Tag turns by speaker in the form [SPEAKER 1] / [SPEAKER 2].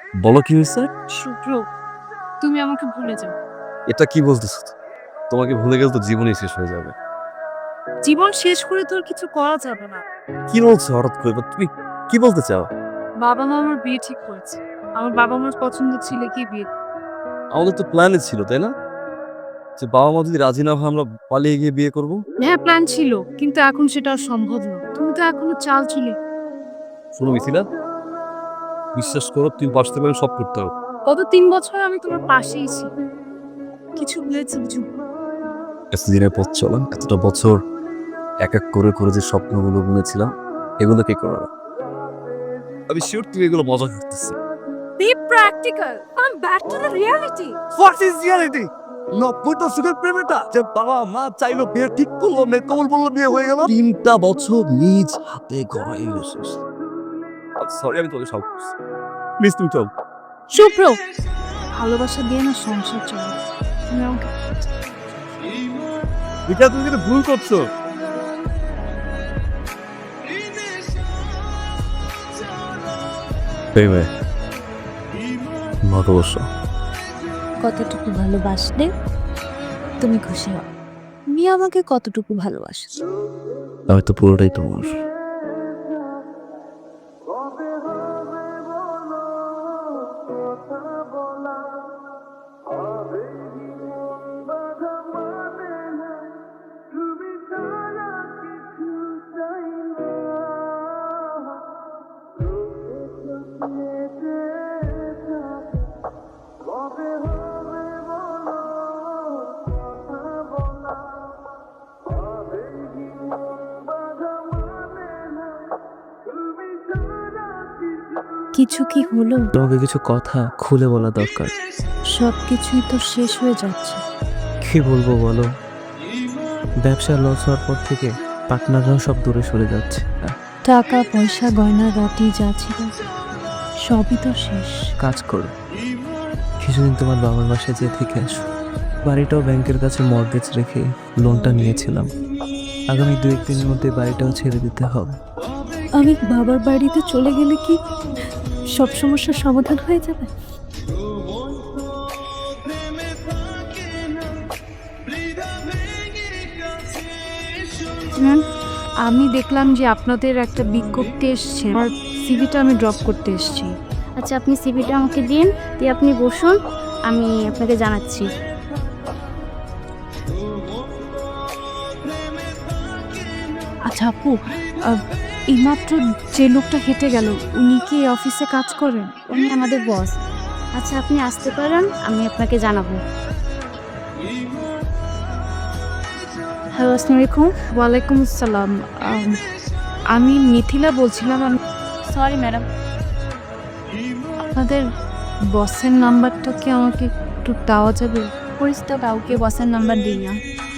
[SPEAKER 1] বলো কি হয়েছে?
[SPEAKER 2] শুভ্র, তুমি আমাকে ভুলে যাও।
[SPEAKER 1] এটা কি বলতেছো? তোমাকে ভুলে গেলে তো জীবনই শেষ হয়ে যাবে।
[SPEAKER 2] জীবন শেষ করে তো আর কিছু করা যাবে না।
[SPEAKER 1] কি বলছো হঠাৎ করে? তুমি কি বলতে চাও?
[SPEAKER 2] বাবা মা আমার বিয়ে ঠিক করেছে। আমার বাবা মার পছন্দের ছেলেকেই বিয়ে।
[SPEAKER 1] আমাদের তো প্ল্যানে ছিল, তাই না? যে বাবা মা যদি রাজি না হয় আমরা পালিয়ে গিয়ে বিয়ে করব।
[SPEAKER 2] হ্যাঁ, প্ল্যান ছিল, কিন্তু এখন সেটা আর সম্ভব না। তুমি তো এখনো চাল চুলে।
[SPEAKER 1] শোনো মিথিলা, বিশ্বাস করো তুমি বাঁচতে পারলে সব করতে হবে।
[SPEAKER 2] গত 3 বছর আমি তোমার পাশেই ছি। কিছু হয়েছে বুঝু।
[SPEAKER 1] এতদিনের পথ চলা, এতটা বছর এক এক করে করে যে স্বপ্নগুলো বুনেছিলাম, এগুলো কে করবে? আমি শিওর তুমি এগুলো মজা করতেছি।
[SPEAKER 2] Be practical. Come back to the reality.
[SPEAKER 1] What is reality? 90 দশকের প্রেমেটা যে বাবা মা চাইলো বিয়ে ঠিক করলো, মেকবল বললো বিয়ে হয়ে গেল। 3টা বছর নিজ হাতে গড়াই এসেছিস। সরি, আমি তোকে সব করছি। প্লিজ তুমি চল।
[SPEAKER 2] শুভ্র, ভালোবাসা দিয়ে না সংসার চলে। তুমি আমাকে
[SPEAKER 1] এটা তুমি কিন্তু ভুল করছো। প্রেমে ভালোবাসা
[SPEAKER 3] কতটুকু ভালোবাসলে তুমি খুশি হও? তুমি আমাকে কতটুকু ভালোবাসো?
[SPEAKER 1] আমি তো পুরোটাই তোমার।
[SPEAKER 3] কিছু কি হলো?
[SPEAKER 4] তোমাকে কিছু কথা খুলে বলা দরকার।
[SPEAKER 3] সব কিছুই তো শেষ হয়ে যাচ্ছে।
[SPEAKER 4] কি বলবো বলো, ব্যবসা লস হওয়ার পর থেকে পার্টনাররাও সব দূরে সরে যাচ্ছে।
[SPEAKER 3] টাকা পয়সা গয়না গাটি যা ছিল সবই তো শেষ।
[SPEAKER 4] কাজ করো, কিছুদিন তোমার বাবার বাসায় যেয়ে থেকে আসো। বাড়িটাও ব্যাংকের কাছে মর্গেজ রেখে লোনটা নিয়েছিলাম। আগামী 2-1 দিনের মধ্যে বাড়িটাও ছেড়ে দিতে হবে।
[SPEAKER 3] আমি বাবার বাড়িতে চলে গেলে কি সব সমস্যার সমাধান হয়ে যাবে?
[SPEAKER 2] ম্যাম, আমি দেখলাম যে আপনাদের একটা বিজ্ঞপ্তি এসছে। আমার সিভিটা আমি ড্রপ করতে এসেছি।
[SPEAKER 5] আচ্ছা, আপনি সিভিটা আমাকে দিন, দিয়ে আপনি বসুন, আমি আপনাকে জানাচ্ছি।
[SPEAKER 2] আচ্ছা আপু, এইমাত্র যে লোকটা হেঁটে গেল, উনি কি এই অফিসে কাজ করেন?
[SPEAKER 5] উনি আমাদের বস। আচ্ছা, আপনি আসতে পারেন, আমি আপনাকে জানাবো।
[SPEAKER 2] হ্যালো, আসসালামু আলাইকুম। ওয়ালাইকুম আসসালাম। আমি মিথিলা বলছিলাম।
[SPEAKER 5] Sorry madam.
[SPEAKER 2] আপনাদের বসের নাম্বারটা কি আমাকে একটু দেওয়া যাবে?
[SPEAKER 5] পরিচিত কাউকে বসের নাম্বার দিই না।